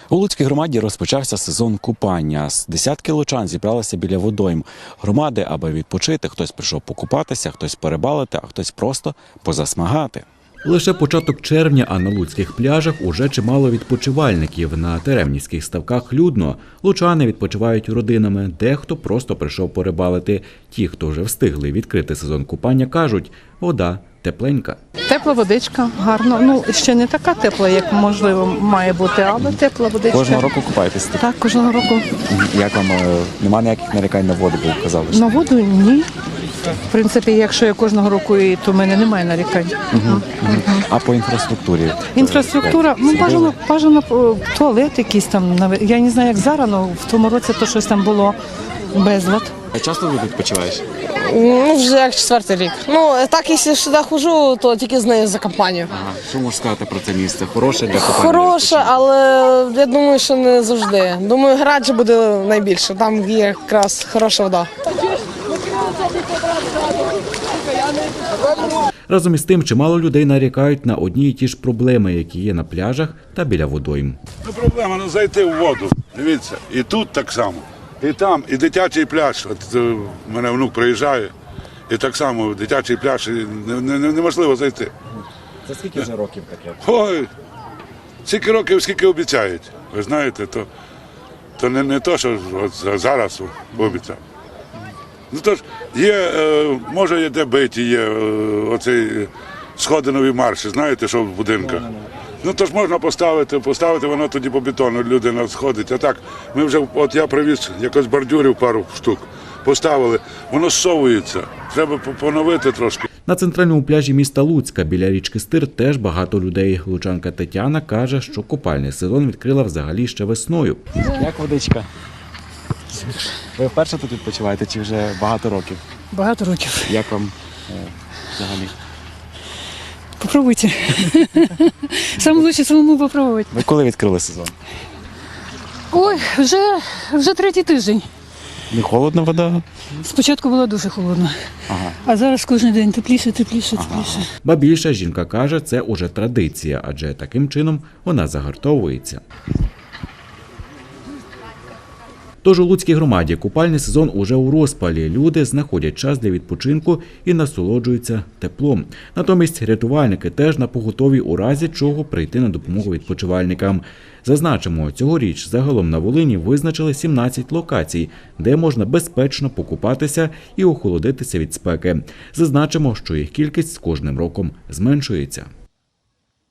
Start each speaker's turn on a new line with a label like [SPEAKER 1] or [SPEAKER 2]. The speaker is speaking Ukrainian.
[SPEAKER 1] У Луцькій громаді розпочався сезон купання. Десятки лучан зібралися біля водойм громади, аби відпочити. Хтось прийшов покупатися, хтось перебалити, а хтось просто позасмагати. Лише початок червня, а на луцьких пляжах уже чимало відпочивальників. На Теремнівських ставках людно. Лучани відпочивають родинами, дехто просто прийшов порибалити. Ті, хто вже встигли відкрити сезон купання, кажуть, вода тепленька.
[SPEAKER 2] Тепла водичка, гарно. Ну, ще не така тепла, як, можливо, має бути, але тепла водичка.
[SPEAKER 1] Кожного року купаєтесь?
[SPEAKER 2] Так, кожного року.
[SPEAKER 1] Як вам, немає ніяких нарікань на воду, бо казали?
[SPEAKER 2] На воду – ні. В принципі, якщо я кожного року, то в мене немає нарікань.
[SPEAKER 1] А по інфраструктурі?
[SPEAKER 2] Інфраструктура, ну, бажано туалет якийсь там. Я не знаю, як зараз, але в тому році то щось там було безлад.
[SPEAKER 1] А часто ви відпочиваєш?
[SPEAKER 3] Ну, вже як 4-й рік. Ну, так, якщо сюди ходжу, то тільки з нею за компанію.
[SPEAKER 1] Ага. Що можеш сказати про це місце? Хороше для купання?
[SPEAKER 3] Хороше, але я думаю, що не завжди. Думаю, Граджі буде найбільше, там є якраз хороша вода.
[SPEAKER 1] Разом із тим, чимало людей нарікають на одні й ті ж проблеми, які є на пляжах та біля водойм.
[SPEAKER 4] Проблема зайти в воду. Дивіться, і тут так само, і там, і дитячий пляж. От у мене внук приїжджає, і так само дитячий пляж, і неможливо зайти.
[SPEAKER 1] Це скільки вже років таке?
[SPEAKER 4] Ой, скільки років, скільки обіцяють. Ви знаєте, то не то, що от зараз обіцяв. Ну то ж є, може є де биті, є оцей сходинові марші, знаєте, що в будинках. Ну то ж можна поставити, воно тоді по бетону людина сходить. А так, ми вже, от я привіз якось бордюрів пару штук, поставили, воно зсовується, треба поновити трошки.
[SPEAKER 1] На центральному пляжі міста Луцька біля річки Стир теж багато людей. Лучанка Тетяна каже, що купальний сезон відкрила взагалі ще весною. Як водичка? Ви вперше тут відпочиваєте чи вже багато років?
[SPEAKER 2] Багато років.
[SPEAKER 1] Як вам взагалі?
[SPEAKER 2] Попробуйте. Саме краще самому попробувати.
[SPEAKER 1] Ви коли відкрили сезон?
[SPEAKER 2] Ой, вже третій тиждень.
[SPEAKER 1] Не холодна вода?
[SPEAKER 2] Спочатку було дуже холодно, а зараз кожен день тепліше.
[SPEAKER 1] Ба більше, жінка каже, це уже традиція, адже таким чином вона загартовується. Тож у Луцькій громаді купальний сезон уже у розпалі. Люди знаходять час для відпочинку і насолоджуються теплом. Натомість рятувальники теж напоготові у разі чого прийти на допомогу відпочивальникам. Зазначимо, цьогоріч загалом на Волині визначили 17 локацій, де можна безпечно покупатися і охолодитися від спеки. Зазначимо, що їх кількість з кожним роком зменшується.